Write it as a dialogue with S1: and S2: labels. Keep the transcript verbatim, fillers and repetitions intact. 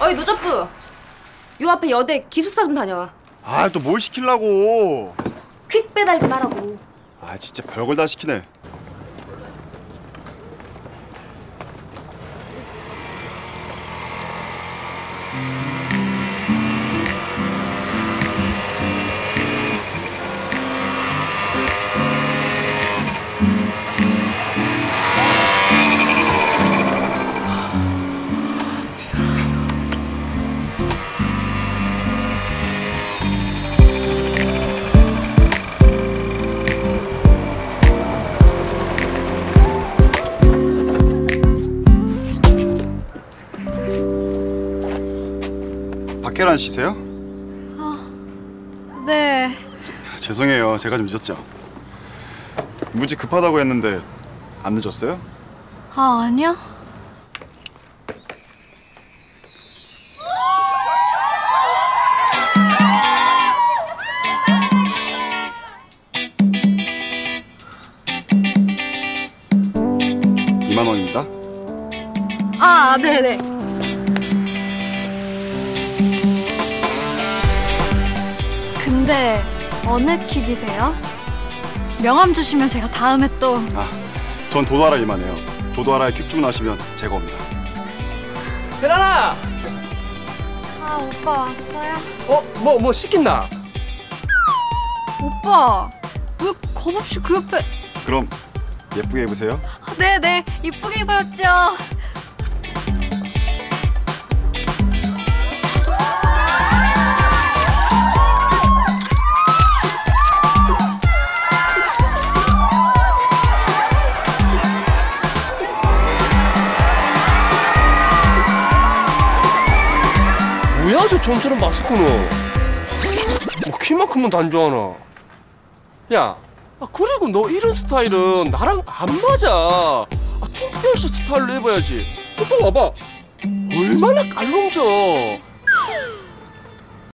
S1: 어이 노접부, 요 앞에 여대 기숙사 좀 다녀와.
S2: 아, 또 뭘 시키려고?
S1: 퀵 배달 좀 하라고.
S2: 아, 진짜 별걸 다 시키네. 박혜란 씨세요?
S1: 아, 네.
S2: 죄송해요. 제가 좀 늦었죠. 무지 급하다고 했는데 안 늦었어요?
S1: 아, 아니요.
S2: 이만 원입니다.
S1: 아, 네네. 근데 어느 킥이세요? 명함 주시면 제가 다음에 또...
S2: 아, 전 도도하라 일만 해요. 도도하라에 퀵 주문하시면 제가 옵니다.
S3: 혜란아!
S1: 아, 오빠 왔어요?
S3: 어? 뭐, 뭐 시킨다?
S1: 오빠, 왜 겁없이 그 옆에...
S2: 그럼 예쁘게 입으세요.
S1: 아, 네네, 이쁘게 입었죠.
S3: 뭐야 저 좀처럼 마스크는? 뭐 키만큼은 단조하나? 야, 아, 그리고 너 이런 스타일은 나랑 안 맞아. 아, 톰페이스 스타일로 해봐야지. 또 봐봐. 얼마나 깔롱져.